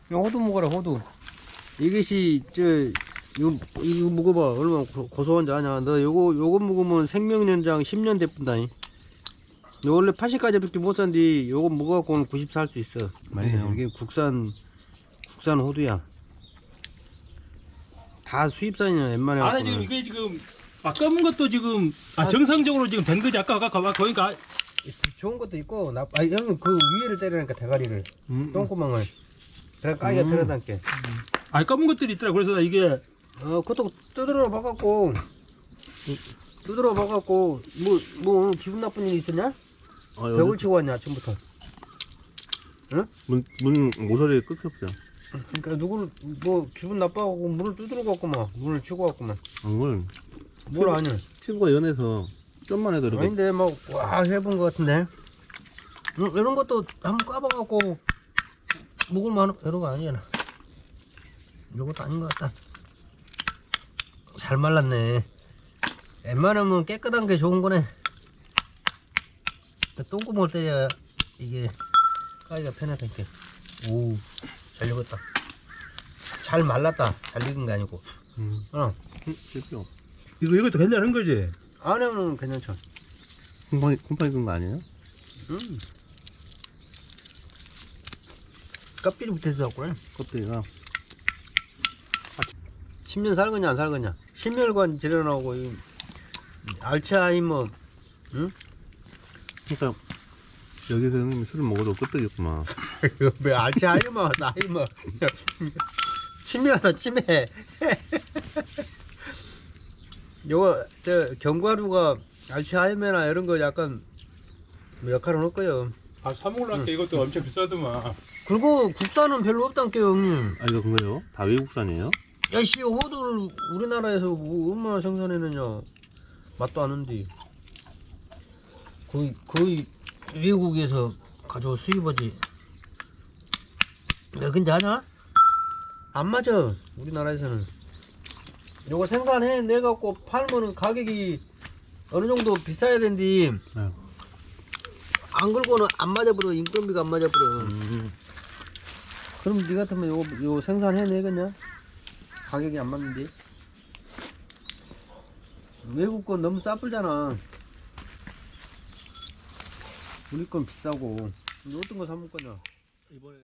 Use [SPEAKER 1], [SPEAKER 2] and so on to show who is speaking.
[SPEAKER 1] 호두 먹어라, 호두. 이것이, 이거 먹어봐. 얼마나 고소한지 아냐. 너 요거 먹으면 생명연장 10년 대뿐다니. 원래 80까지밖에 못 산디, 요거 먹어갖고는 90 살 수 있어.
[SPEAKER 2] 맞네요.
[SPEAKER 1] 이게 국산 호두야. 다 수입산이야, 웬만해.
[SPEAKER 3] 안에 지금 이게 지금 검은 것도 지금 정상적으로 지금 된 거지. 아까 보니까
[SPEAKER 1] 좋은 것도 있고, 형은 그 위에를 때리니까 대가리를. 똥구멍을. 그래, 까기가 편하단께.
[SPEAKER 3] 검은 것들이 있더라. 그래서 나 이게
[SPEAKER 1] 그것도 두드러 봐갖고, 오늘 기분 나쁜 일 있었냐? 벽을 치고 왔냐, 아침부터? 응?
[SPEAKER 2] 문 모서리에 끊겼어요.
[SPEAKER 1] 그러니까 기분 나빠갖고 문을 두드러 갔구만. 문을 치고 갔구만.
[SPEAKER 2] 뭘
[SPEAKER 1] 아니야?
[SPEAKER 2] 피부가 연해서 좀만 해도 이렇게.
[SPEAKER 1] 아닌데, 해본 것 같은데. 이런 것도 한번 까봐갖고, 먹을만한, 이런 거 아니잖아. 이것도 아닌 것 같다. 잘 말랐네. 웬만하면 깨끗한 게 좋은 거네. 똥구멍을 때려야 이게 까기가 편하다니까. 오, 잘 익었다. 잘 말랐다. 잘 익은 게 아니고.
[SPEAKER 2] 실패요.
[SPEAKER 3] 이것도 괜찮은 거지.
[SPEAKER 1] 안에는 괜찮죠.
[SPEAKER 2] 곰팡이 끈거 아니에요?
[SPEAKER 1] 껍질이 붙어서 그래.
[SPEAKER 2] 껍데기가.
[SPEAKER 1] 10년 살거냐 안 살거냐. 심혈관 질환 나오고 알츠하이머. 응?
[SPEAKER 2] 그러니까 여기서 형님이 술을 먹어도 껍데기였구만.
[SPEAKER 1] 왜 알츠하이머 나이머. 치매하다 치매. 요거 견과류가 알츠하이머나 이런 거 약간 역할을 할 거예요.
[SPEAKER 3] 사 먹으려니까 이것도 엄청 비싸더만.
[SPEAKER 1] 그리고 국산은 별로 없단께요, 형님.
[SPEAKER 2] 이거 그거요? 다 외국산이에요?
[SPEAKER 1] 야씨, 호두를 우리나라에서 얼마나 생산해내냐. 맛도 안 온디. 거의 외국에서 가져올 수입하지. 왜 근데 하냐? 안 맞아, 우리나라에서는. 요거 생산해 내갖고 팔면은 가격이 어느 정도 비싸야 된디.
[SPEAKER 2] 네.
[SPEAKER 1] 안 걸고는 안 맞아버려. 인건비가 안 맞아버려. 그럼 니 같으면 요거 생산해 내겠냐? 가격이 안 맞는데. 외국 건 너무 싸불잖아. 우리 건 비싸고. 어떤 거 사 먹을 거냐?
[SPEAKER 3] 이번에